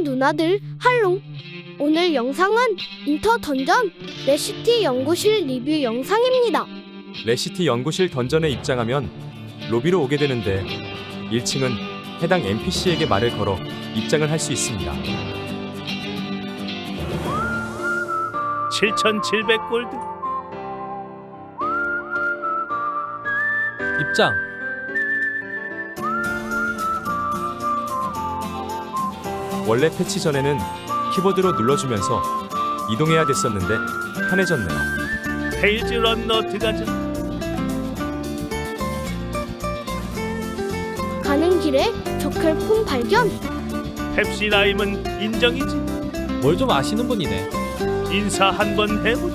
형 누나들 할롱. 오늘 영상은 인터 던전 레시티 연구실 리뷰 영상입니다. 레시티 연구실 던전에 입장하면 로비로 오게 되는데 1층은 해당 NPC에게 말을 걸어 입장을 할 수 있습니다. 7,700골드. 입장. 원래 패치 전에는 키보드로 눌러주면서 이동해야 됐었는데 편해졌네요. 페이지 런너 들어가자. 가는 길에 저켈폰 발견. 펩시 라임은 인정이지. 뭘 좀 아시는 분이네. 인사 한번 해보자.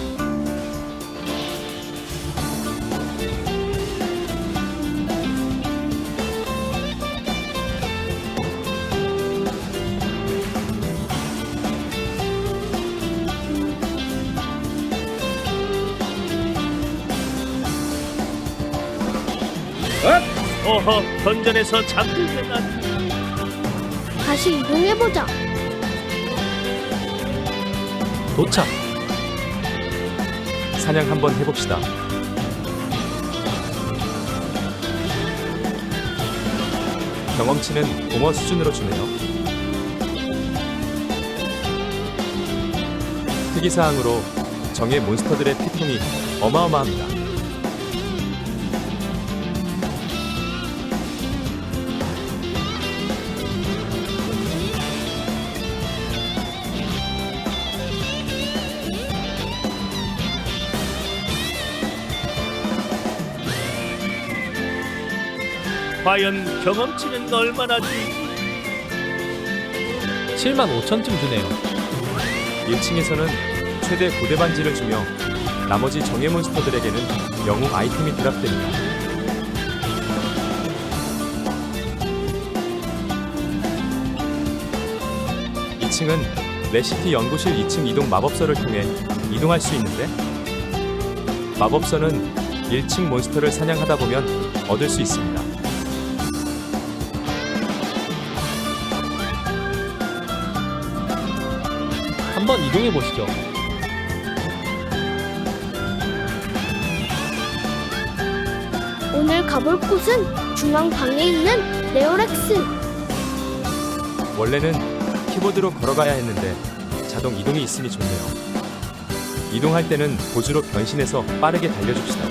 어허, 던전에서 잠들게 난. 다시 이동해보자. 도착. 사냥 한번 해봅시다. 경험치는 공허 수준으로 주네요. 특이사항으로 정예 몬스터들의 피통이 어마어마합니다. 과연 경험치는 얼마나 줄지. 75,000쯤 주네요. 1층에서는 최대 9대 반지를 주며 나머지 정예 몬스터들에게는 영웅 아이템이 드랍됩니다. 이 층은 레시티 연구실 2층 이동 마법서를 통해 이동할 수 있는데 마법서는 1층 몬스터를 사냥하다 보면 얻을 수 있습니다. 한번 이동해 보시죠. 오늘 가볼 곳은 중앙 방에 있는 레오렉스. 원래는 키보드로 걸어가야 했는데 자동 이동이 있으니 좋네요. 이동할 때는 보조로 변신해서 빠르게 달려줍시다.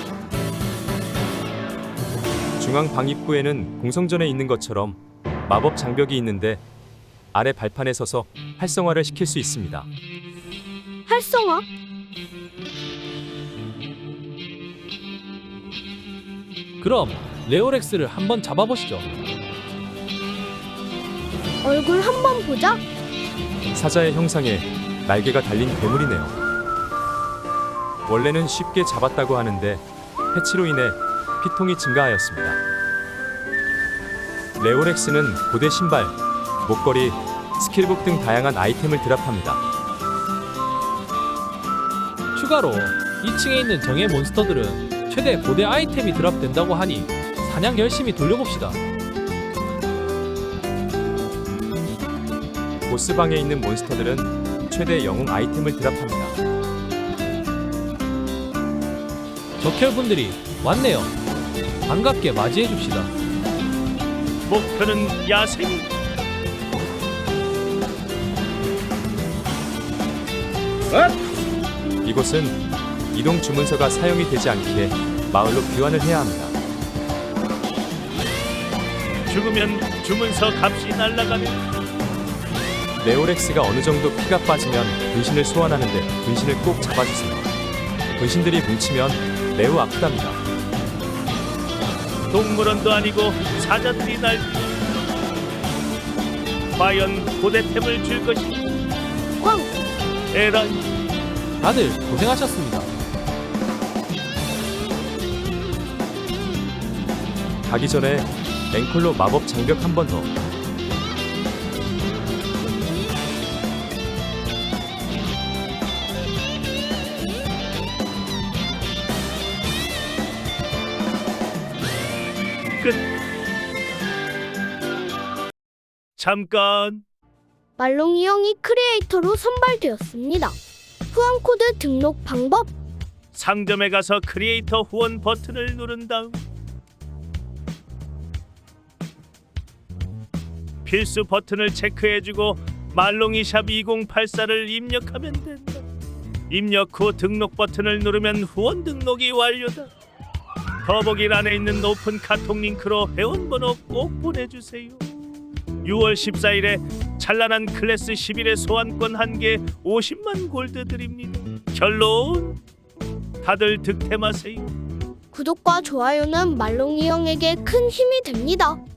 중앙 방 입구에는 공성전에 있는 것처럼 마법 장벽이 있는데 아래 발판에 서서 활성화를 시킬 수 있습니다. 활성화. 그럼 레오렉스를 한번 잡아보시죠. 얼굴 한번 보자. 사자의 형상에 날개가 달린 괴물이네요. 원래는 쉽게 잡았다고 하는데 패치로 인해 피통이 증가하였습니다. 레오렉스는 고대 신발, 목걸이, 스킬북 등 다양한 아이템을 드랍합니다. 추가로 2층에 있는 정예 몬스터들은 최대 고대 아이템이 드랍된다고 하니 사냥 열심히 돌려봅시다. 보스방에 있는 몬스터들은 최대 영웅 아이템을 드랍합니다. 적혈분들이 왔네요. 반갑게 맞이해줍시다. 목표는 야생. 이곳은 이동 주문서가 사용이 되지 않기에 마을로 귀환을 해야 합니다. 죽으면 주문서 값이 날아가면. 레오렉스가 어느 정도 피가 빠지면 분신을 소환하는데 분신을 꼭 잡아주세요. 분신들이 뭉치면 매우 아프답니다. 동물원도 아니고 사자들이 날. 과연 고대템을 줄 것인가. 광. 에라이. 다들 고생하셨습니다. 가기 전에 앵콜로 마법 장벽 한 번 더. 끝. 잠깐. 말롱이 형이 크리에이터로 선발되었습니다. 후원 코드 등록 방법. 상점에 가서 크리에이터 후원 버튼을 누른 다음 필수 버튼을 체크해주고 말롱이샵 2084를 입력하면 된다. 입력 후 등록 버튼을 누르면 후원 등록이 완료다. 더보기란에 있는 오픈 카톡 링크로 회원번호 꼭 보내주세요. 6월 14일에 찬란한 클래스 11의 소환권 1개 50만 골드 드립니다. 결론 다들 득템하세요. 구독과 좋아요는 말롱이 형에게 큰 힘이 됩니다.